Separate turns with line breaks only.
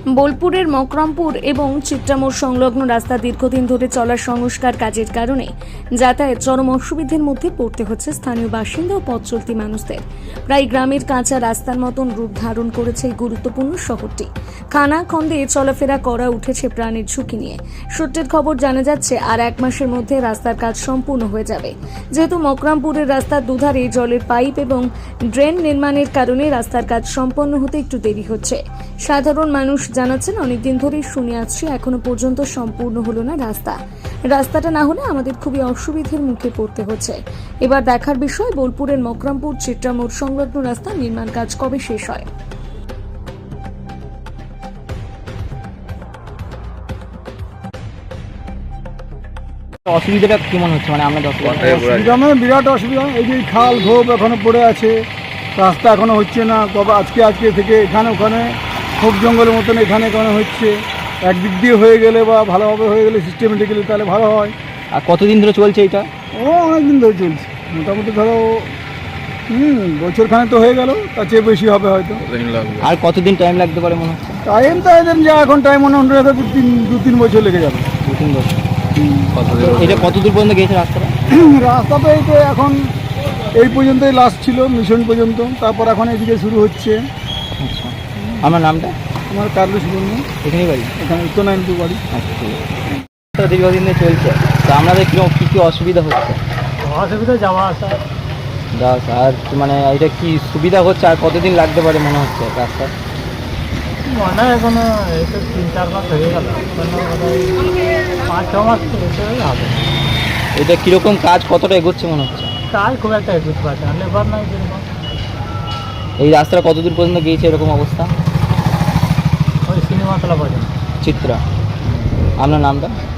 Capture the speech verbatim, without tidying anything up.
বোলপুরের মকরমপুর এবং চিত্রামোড় সংলগ্ন রাস্তা দীর্ঘদিন ধরে চলা সংস্কার কাজের কারণে যাতায়াত চরম অসুবিধার মধ্যে পড়তে হচ্ছে স্থানীয় বাসিন্দা ও পথ চলতি মানুষদের। প্রায় গ্রামের কাঁচা রাস্তার মতন রূপ ধারণ করেছে এই গুরুত্বপূর্ণ শহরটি। খানাখন্দে চলাফেরা করা উঠেছে প্রাণের ঝুঁকি নিয়ে। সূত্রের খবর জানা যাচ্ছে আর এক মাসের মধ্যে রাস্তার কাজ সম্পূর্ণ হয়ে যাবে। যেহেতু মকরমপুরের রাস্তার দুধারে জলের পাইপ এবং ড্রেন নির্মাণের কারণে রাস্তার কাজ সম্পন্ন হতে একটু দেরি হচ্ছে। সাধারণ মানুষ জানাচ্ছেন, অনেকদিন ধরেই শুনে আসছি, এখনো পর্যন্ত সম্পূর্ণ হলো না রাস্তা। রাস্তাটা না হলে আমাদের খুবই অসুবিধার মুখে পড়তে হচ্ছে। এবার দেখার বিষয়, বোলপুরের মকরমপুর চিত্রামোড় সংলগ্ন রাস্তা নির্মাণ কাজ কবে শেষ হয়।
অসুবিধাটা কেমন হচ্ছে, মানে আপনাদের
অসুবিধা মানে বিরাট অসুবিধা। এই যে খাল ধোপ এখনো পড়ে আছে, রাস্তা এখনো হচ্ছে না। কবে আজকে আজকে থেকে এখানে ওখানে খুব জঙ্গলের মতন এখানে এখানে হচ্ছে। একদিক দিয়ে হয়ে গেলে বা ভালোভাবে হয়ে গেলে সিস্টেমেটিক্যালি তাহলে ভালো হয়।
আর কতদিন ধরে চলছে এটা?
ও অনেক দিন ধরে চলছে, মোটামুটি ধরো হুম বছরখানে তো হয়ে গেল, তার চেয়ে বেশি হবে হয়তো।
আর কতদিন টাইম লাগতে পারে মনে হচ্ছে?
টাইম তো এদের যা এখন টাইম মনে হয় দু তিন দু তিন বছর লেগে যাবে।
দু তিন বছর। এটা কত দূর পর্যন্ত গেছে রাস্তাটা?
রাস্তা তো এই তো এখন এই পর্যন্তই লাস্ট ছিল, মিশন পর্যন্ত। তারপর এখন এদিকে শুরু হচ্ছে।
আচ্ছা, আমার নামটা?
আমার কার্লু সুবর্ণ,
এখানেই বাড়ি?
এখানে উত্তর নারায়ণপুর বাড়ি।
আচ্ছা, ঠিক আছে। দীর্ঘদিন ধরে চলছে, তো আপনাদের কীরকম কী কী অসুবিধা হচ্ছে?
অসুবিধা যাওয়া আসা
দাস, আর মানে এটা কি সুবিধা হচ্ছে? আর কতদিন লাগতে পারে মনে হচ্ছে রাস্তা?
মনে হয় এখনো এই তো তিন চার মাস হয়ে গেল, পাঁচ ছ মাস হবে।
এটা কীরকম কাজ, কতটা এগোচ্ছে মনে হচ্ছে?
কাজ খুব একটা এগোতে পারছে না, লেবার নাই যেরকম।
এই রাস্তাটা কত দূর পর্যন্ত গিয়েছে এরকম অবস্থা?
ওই সিনেমাতলা পর্যন্ত।
চিত্রা। আপনার নামটা?